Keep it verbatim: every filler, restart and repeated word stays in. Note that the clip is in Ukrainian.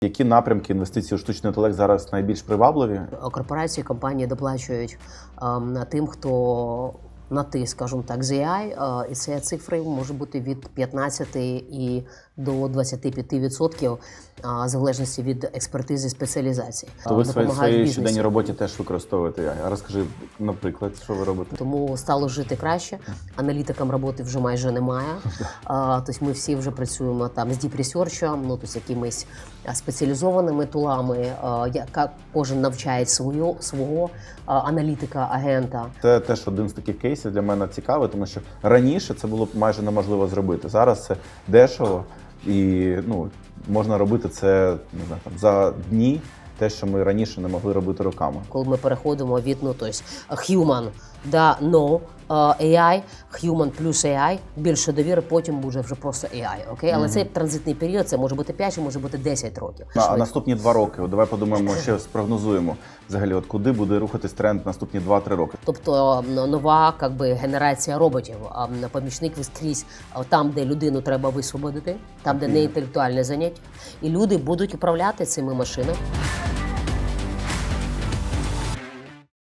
Які напрямки інвестицій у штучний інтелект зараз найбільш привабливі? Корпорації, компанії доплачують ем, тим, хто на ти, скажімо так, з ей ай, е, і це цифри може бути від п'ятнадцяти і до двадцяти п'яти відсотків, е, в залежності від експертизи, спеціалізації. То ви в своїй, своїй бізнесу. щоденній роботі теж використовуєте ей ай. А розкажи, наприклад, що ви робите? Тому стало жити краще. Аналітикам роботи вже майже немає. А, тобто ми всі вже працюємо там з Deep Research, ну, тобто якимись спеціалізованими тулами, а, яка кожен навчає свою, свого а, аналітика, агента. Це теж один з таких кейсів для мене цікавий, тому що раніше це було б майже неможливо зробити. Зараз це дешево і ну, можна робити це не знаю, там, за дні, те, що ми раніше не могли робити роками. Коли ми переходимо від ну, тобто, human до no, ей ай, human плюс ей ай, більше довіри, потім буде вже просто ей ай. Окей? Але mm-hmm. цей транзитний період, це може бути п'ять, може бути десять років. А, а наступні два роки, от давай подумаємо, ще спрогнозуємо, взагалі, от куди буде рухатись тренд наступні два-три роки. Тобто нова как би, генерація роботів, помічник скрізь там, де людину треба висвободити, там, де не інтелектуальне заняття, і люди будуть управляти цими машинами.